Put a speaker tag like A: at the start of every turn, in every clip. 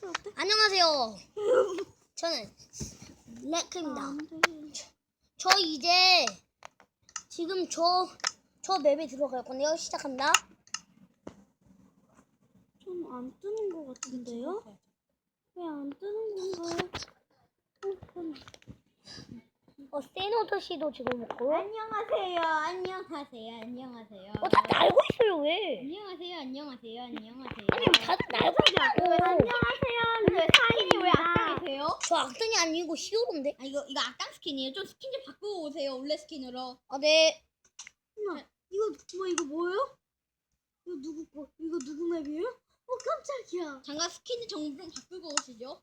A: 어때?
B: 안녕하세요. 저는 레크입니다. 저 이제 지금 저 맵에 들어갈 건데요. 시작합니다.
A: 좀 안 뜨는 것 같은데요? 왜 안 뜨는 건가요?
B: 세노토 씨도 지금 먹고.
C: 안녕하세요. 안녕하세요. 안녕하세요.
B: 다들 알고 있어요, 왜?
C: 안녕하세요. 안녕하세요. 안녕하세요.
B: 아니, 다들 알고 있냐고.
C: 안녕하세요. 근데 스킨이 왜 악당이세요?
B: 저 악당이 아니고 히어로인데.
C: 아 이거 악당 스킨이에요. 좀 스킨 좀 바꾸고 오세요. 원래 스킨으로.
B: 아, 네.
A: 이거 뭐예요? 이거 누구 거? 이거 누구 맵이에요? 깜짝이야.
C: 잠깐 스킨 좀 바꾸고 오시죠.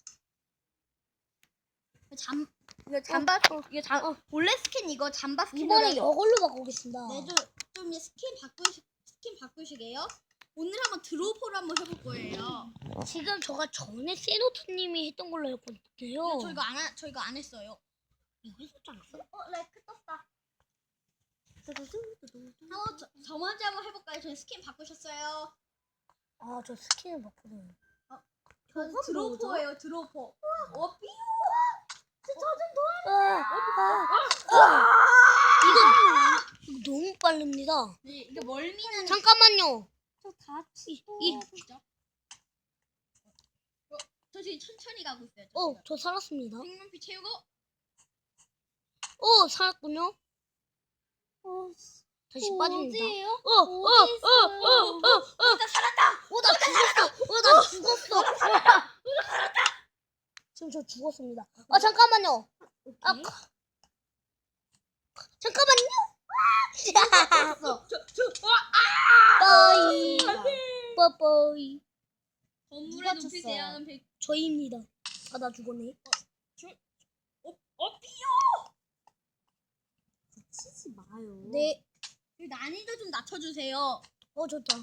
C: 원래 스킨 이거 잠바 스킨.
B: 이번에 이걸로 바꾸겠습니다.
C: 네, 좀 이제 스킨 바꾸시게요. 오늘 한번 드로퍼를 한번 해볼 거예요.
B: 지금 저가 전에 세노토님이 했던 걸로 알고 있는데요.
C: 저 이거 안 했어요.
B: 이거 했었지 않았어?
C: 레크 떴다. 저 먼저 한번 해볼까요? 저는 스킨 바꾸셨어요.
B: 아, 저 스킨을 바꾸네.
C: 저는 드로퍼예요. 드로퍼. 삐용.
B: 이거 너무 빠릅니다.
C: 네, 이게 멀미는
B: 잠깐만요.
A: 저 다치.
C: 진짜. 저 지금 천천히 가고 있어요.
B: 저 살았습니다.
C: 생명피 채우고.
B: 살았군요. 다시 빠집니다.
A: 어디예요?
C: 나 살았다.
B: 나 죽었어. 지금 저 죽었습니다. 잠깐만요. 잠깐만요. 빠이.
C: 건물의 높이 대하는 백.
B: 저희입니다. 나 죽었네.
C: 삐용.
A: 치지 마요.
B: 네.
C: 난이도 좀 낮춰주세요.
B: 좋다.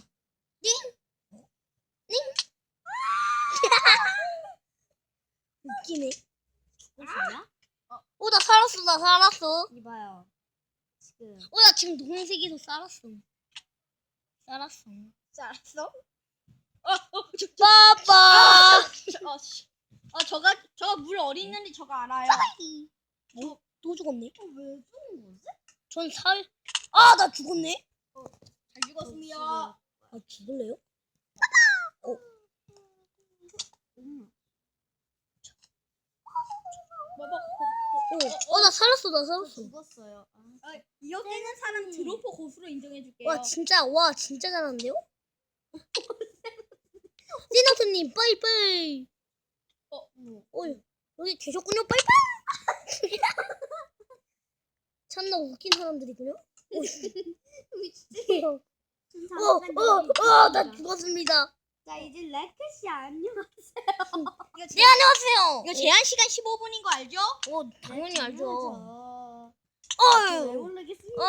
B: 웃기네.
A: 죽었어요?
B: 나 살았어.
A: 이봐요. 지금.
B: 나 지금 노란색에서 살았어.
C: 알았어?
B: 빠빠.
C: 저가 물 어디 있는지 저가 알아요.
B: 또 죽었네.
C: 왜 죽은 거지?
B: 전 나 죽었네.
C: 잘 죽었습니다.
B: 죽을래요? 나 살았어.
A: 죽었어요.
C: 이어지는 사람 드로퍼 고수로 인정해줄게요.
B: 진짜 잘하는데요? 세노토님, 빠이빠이. 여기 계셨군요, 빠이빠이. 참나 웃긴 사람들이군요. 나 죽었습니다.
A: 자, 이제 레크씨 안녕하세요.
B: 네, 안녕하세요.
C: 이거 제한 시간 15분인 거 알죠?
B: 당연히 알죠.
A: 왜 모르겠습니다.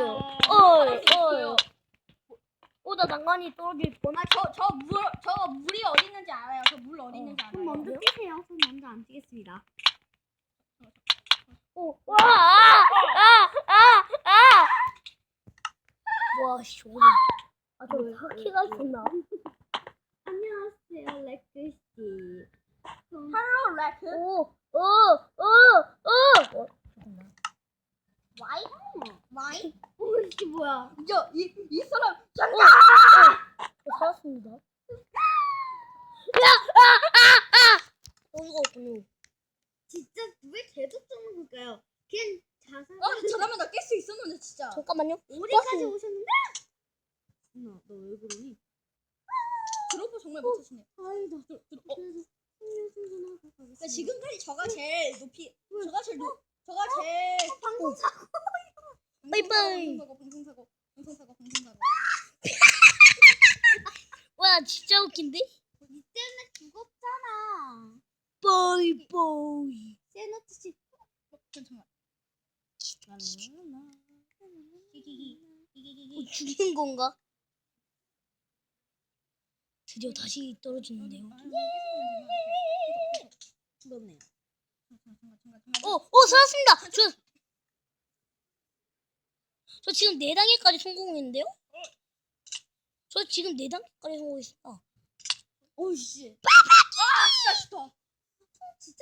B: 나 난간이 떨어질 뻔.
C: 저 물이 어디 있는지 알아요. 저 물 어디 있는지 알아요.
A: 손 먼저 뛰세요. 손 먼저 안 뛰겠습니다.
B: 저거. 저 바퀴가 있었나?
A: 안녕하세요, 레크씨.
C: 헬로 레크.
B: 잠깐만.
C: 와이?
A: 이게 뭐야?
C: 이 사람
B: 살았습니다. 죽었군요.
A: 진짜 왜 계속 죽는 걸까요? 그냥 자살.
C: 저라면 나 깰 수 있었는데 진짜.
B: 잠깐만요.
A: 우리까지 오셨는데? 너 왜 그러니?
C: 드로퍼 정말 못하시네.
A: 아니다.
C: 그래서
A: 그래서
C: 지금까지 저가 제일 높이. 저가 제일
A: 방송사고.
B: 빠이빠이.
C: 방송사고.
B: 진짜 웃긴데?
A: 니 때문에 죽었잖아.
B: 빠이빠이.
A: 세노트씨.
C: 잠깐만.
B: 죽인 건가? 드디어 다시 떨어지는데요.
A: 죽었네요.
B: 살았습니다. 저 지금 4단계까지 성공했는데요? 저 지금 4단계까지 성공했습니다.
A: 오이씨.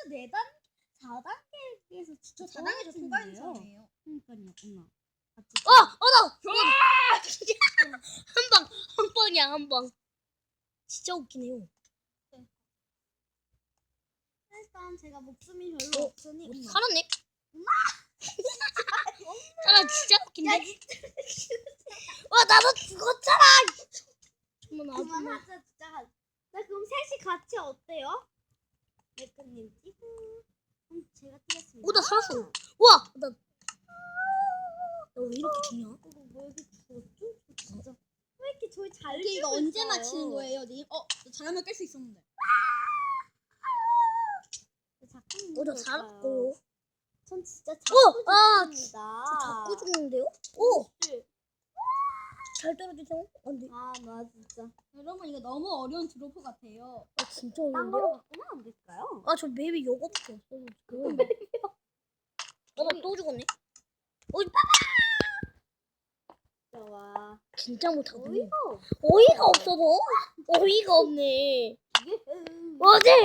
C: 진짜 4단 4단계에서 진짜 4단계 통과한 사람이에요.
A: 그러니까요, 엄마.
B: 한 방이야, 한 방. 진짜 웃기네요.
A: 일단 제가 목숨이 별로 없으니 엄마.
B: 살았네. 나 진짜 웃긴데. 와, 나도 죽었잖아. 정말 아줌마.
A: 그만하자 진짜. 나 그럼 셋이 같이 어때요? 메크님 찌고. 그럼 제가 뛰겠습니다.
B: 오, 나 살았어. 와, 나 왜 이렇게 죽냐?
A: 이거 뭐 여기 죽었죠? 진짜. 왜 이렇게 저희 잘
C: 이게 이거
A: 뛰고
C: 언제
A: 있어요?
C: 맞히는 거예요, 님? 너 잘하면 깰 수 있었는데.
B: 오, 나 살았고.
A: 전 진짜
B: 오,
A: 자꾸 죽습니다.
B: 자꾸 죽는데요? 오, 잘 떨어지세요? 안 돼.
A: 나 진짜.
C: 여러분 이거 너무 어려운 드로퍼 같아요.
B: 아, 진짜
A: 딴 걸로
B: 어려운데요?
A: 바꾸면 안 될까요?
B: 아, 저 맵이 요거밖에 없어요, 지금. 나 또 죽었네.
A: 와.
B: 진짜 못하거든요.
A: 어이가 없어.
B: 어이가 없어서? 어이가 없네.
A: 어제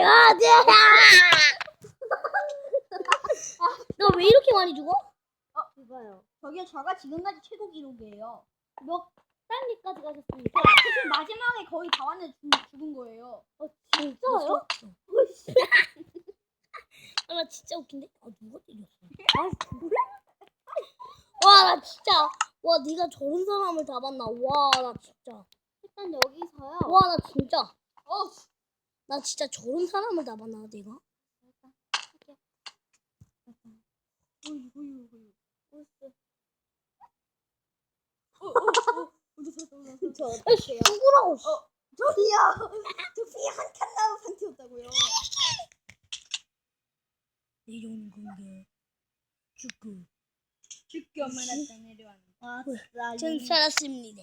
B: 너 왜 이렇게 많이 죽어?
A: 이봐요.
C: 저게 저가 지금까지 최고 기록이에요.
A: 몇 단계까지 가셨습니까?
C: 사실 마지막에 거의 다 왔는데 죽은 거예요.
A: 진짜요?
B: 아, 나 진짜 웃긴데? 아, 누가 때렸어? 와, 나 진짜. 와, 네가 저런 사람을 잡았나? 와, 나 진짜.
A: 일단 여기서요.
B: 와, 나 진짜. 나 진짜 저런 사람을 잡았나, 내가?
A: 저 어떡해요?
B: 죽으라고.
C: 저기요. 저 피 한 칸 나온 상태였다고요.
B: 내려오는 건데. 죽고.
C: 죽기 엄마나 땅 내려왔는데.
A: 아 진짜.
B: 전 살았습니다.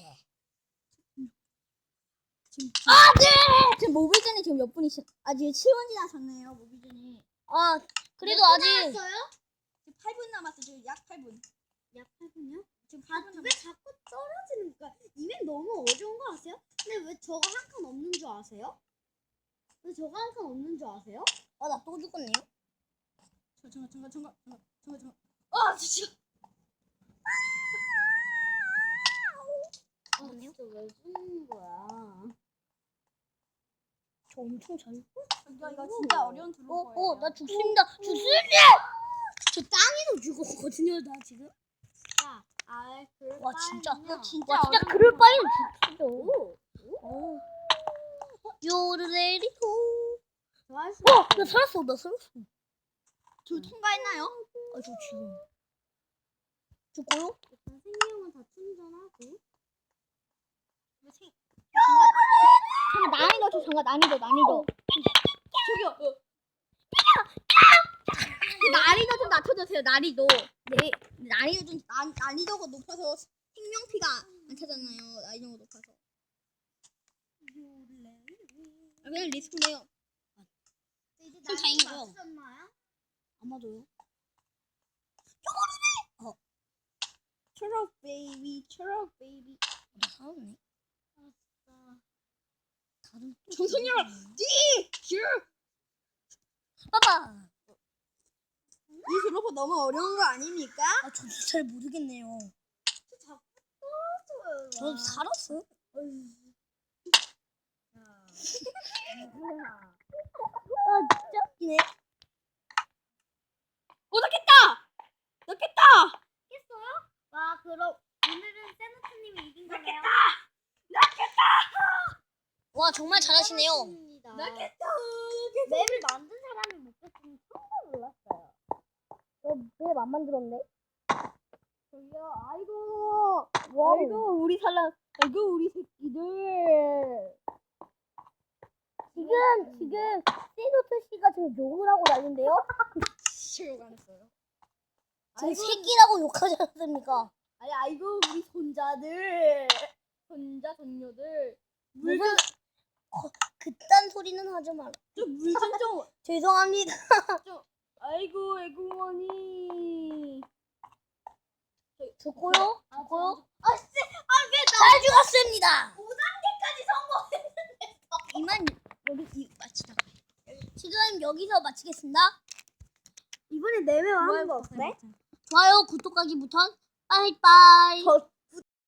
C: 지금 모비전이 지금 몇 분이시? 지금 7분 지나셨네요. 모비전이.
B: 아, 그래도 아직.
A: 나왔어요?
C: 지금 8분 남았어. 지금 약 8분.
A: 약 8분요?
C: 지금
A: 아,
C: 8분
A: 왜
C: 남았어.
A: 자꾸 떨어지는 거야? 이면 너무 어려운 거 아세요? 근데 왜 저거 한 칸 없는 줄 아세요? 왜 저거 한 칸 없는 줄 아세요?
B: 아, 나 또 죽었네요.
C: 잠깐. 진짜.
B: 죽었네요.
A: 진짜 왜 죽는 거야?
B: 저 엄청 잘.
C: 저기요 이거 진짜 어려운 드로퍼예요.
B: 나 죽습니다. 죽습니다. 저 땅에서 죽었거든요, 나 지금.
A: 자,
B: 와, 진짜.
A: 나
C: 진짜
B: 와, 진짜
C: 어려운
B: 그럴 바에는 죽죠.
A: 오,
B: 요르레리호.
A: 좋아할 수
B: 나 살았어.
C: 저 통과했나요?
B: 아, 저 지금. 죽고요?
A: 일단 생명은 다 충전하고.
C: 잠깐 난이도. 저기요. 난이도 좀 낮춰주세요. 난이도. 네. 난이도가 높아서 생명피가 안 차잖아요. 난이도가 높아서. 그냥 리스크네요.
A: 이제
B: 그럼 다행이고요.
A: 맞추셨나요?
B: 아마도요.
C: 초록 베이비.
B: 나 살았네. 다른.
C: 정선이야.
B: 봐봐.
C: 이 드로퍼 너무 어려운 거 아닙니까?
B: 아, 저도 잘 모르겠네요.
A: 자꾸 떨어져요.
B: 저도 살았어. 아, 진짜 웃기네.
C: 넣겠다.
A: 와, 그럼 오늘은 세노트님이 이긴 거네요.
B: 와, 정말 잘하시네요.
C: 넣겠다.
A: 맵을 만든 사람이 못 봤으면 처음 몰랐어요.
B: 너왜안 만들었네?
C: 저기요. 아이고 우리 새끼들.
B: 지금 세노트 씨가 지금 욕을 하고 난리인데요?
C: 실력 안 했어요.
B: 지금 새끼라고 욕하지 않습니까?
C: 아이고 우리 손자들. 손녀들.
B: 무슨 그딴 소리는 하지 마라.
C: 좀
B: 죄송합니다.
C: 아이고 애구머니.
B: 죽고요?
C: 왜
B: 잘 죽었습니다.
C: 5단계까지 성공했는데.
B: 이만 여기 마치다. 지금 여기서 마치겠습니다.
A: 이번에 4명 하는 거 어때?
B: 좋아요, 구독하기 부턴 빠이빠이.